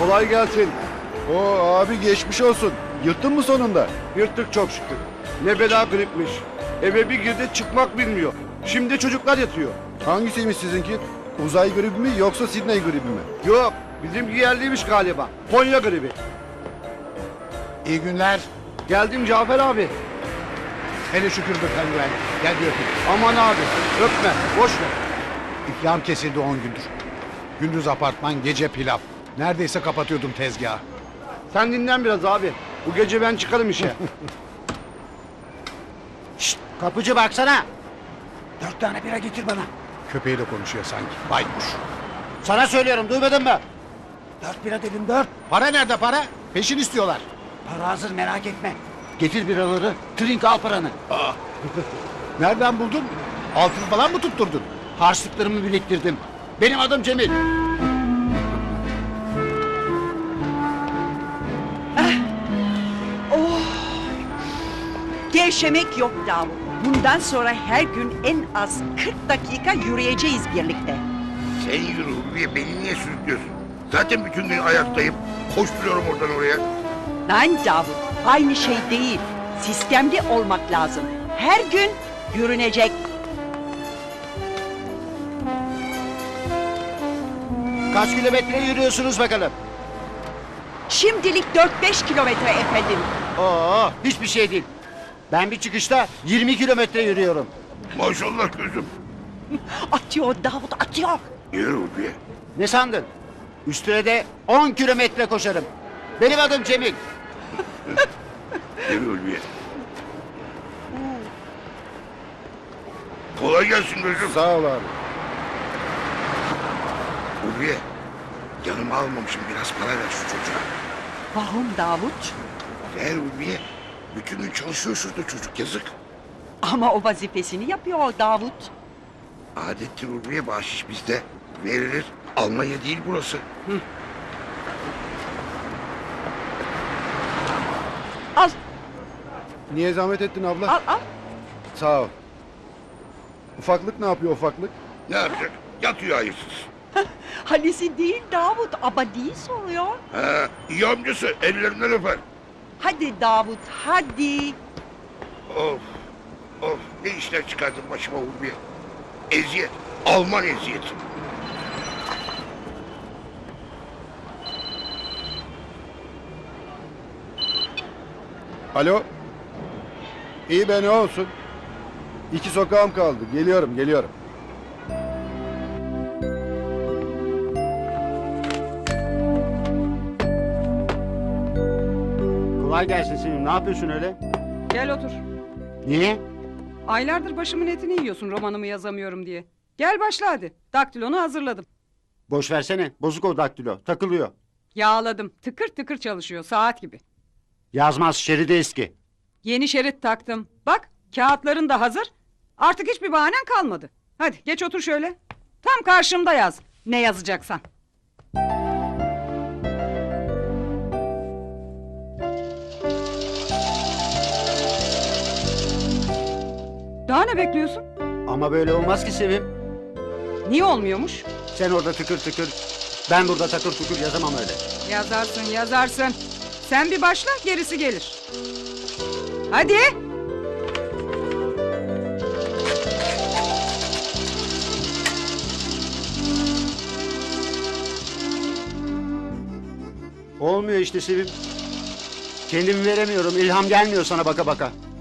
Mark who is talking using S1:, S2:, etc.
S1: Kolay gelsin.
S2: Oo abi geçmiş olsun. Yırttın mı sonunda?
S1: Yırttık çok şükür. Ne bela gripmiş. Eve bir girdi çıkmak bilmiyor. Şimdi çocuklar yatıyor.
S2: Hangisiymiş sizinki? Uzay gribi mi yoksa Sidney gribi mi?
S1: Yok bizim yerliymiş galiba. Konya gribi.
S3: İyi günler.
S1: Geldim Cafer abi.
S3: Hele şükür be penguen. Gel bir öpeyim.
S1: Aman abi öpme boş ver.
S3: İflam kesildi 10 gündür. Gündüz apartman, gece pilav. Neredeyse kapatıyordum tezgahı.
S1: Sen dinlen biraz abi. Bu gece ben çıkarım işe.
S4: Şşt, kapıcı baksana. 4 tane bira getir bana.
S3: Köpeğiyle konuşuyor sanki. Baykuş.
S4: Sana söylüyorum, duymadın mı? 4 bira dedim, 4.
S3: Para nerede para? Peşin istiyorlar.
S4: Para hazır, merak etme. Getir biraları, trink al paranı.
S3: Nereden buldun? Altın falan mı tutturdun?
S4: Harçlıklarımı biriktirdim. Benim adım Cemil.
S5: Gevşemek yok Davut. Bundan sonra her gün en az 40 dakika yürüyeceğiz birlikte.
S6: Sen yürü Ulviye, beni niye sürüklüyorsun? Zaten bütün gün ayaktayım. Koşturuyorum oradan oraya.
S5: Lan Davut, aynı şey değil. Sistemli olmak lazım. Her gün yürünecek.
S4: Kaç kilometre yürüyorsunuz bakalım?
S5: Şimdilik 4-5 kilometre efendim.
S4: Oo, hiçbir şey değil. Ben bir çıkışta 20 kilometre yürüyorum.
S6: Maşallah gözüm.
S5: Atıyor Davut, atıyor.
S6: Yürü Ulviye.
S4: Ne sandın? Üstüne de 10 kilometre koşarım. Benim adım Cemil.
S6: Yürü Ulviye. Kolay gelsin gözüm.
S2: Sağ ol abi.
S6: Ulviye, yanıma almamışım, biraz para ver şu çocuğa.
S5: Vahum Davut.
S6: Ver Ulviye. Bütün gün çalışıyor şurada çocuk, yazık.
S5: Ama o vazifesini yapıyor Davut.
S6: Adettir Ulviye, bahşiş bizde. Verilir. Almanya değil burası.
S5: Al,
S2: Niye zahmet ettin abla?
S5: al, al.
S2: Sağ ol. Ufaklık ne yapıyor ufaklık?
S6: Ne yapacak? Yatıyor hayırsız.
S5: Halisi değil Davut, abadiyi soruyor.
S6: Ha, iyi amcası, ellerinden öper.
S5: Hadi Davut, hadi.
S6: Of, of, ne işler çıkardın başıma Ulviye. Eziyet, Alman eziyeti.
S2: Alo. İyi be ne olsun? 2 sokağım kaldı. Geliyorum.
S4: Kolay gelsin Sevim. Ne yapıyorsun öyle?
S7: Gel otur.
S4: Niye?
S7: Aylardır başımın etini yiyorsun romanımı yazamıyorum diye. Gel başla hadi. Daktilonu hazırladım.
S4: Boş versene. Bozuk o daktilo. Takılıyor.
S7: Yağladım. Tıkır tıkır çalışıyor saat gibi.
S4: Yazmaz, şeridi eski.
S7: Yeni şerit taktım. Bak kağıtların da hazır. Artık hiçbir bahanen kalmadı. Hadi geç otur şöyle. Tam karşımda yaz. Ne yazacaksan. Daha ne bekliyorsun?
S4: Ama böyle olmaz ki Sevim.
S7: Niye olmuyormuş?
S4: Sen orada tıkır tıkır, ben burada takır tukur yazamam öyle.
S7: Yazarsın. Sen bir başla gerisi gelir. Hadi.
S4: Olmuyor işte Sevim. Kendimi veremiyorum, ilham gelmiyor sana baka baka.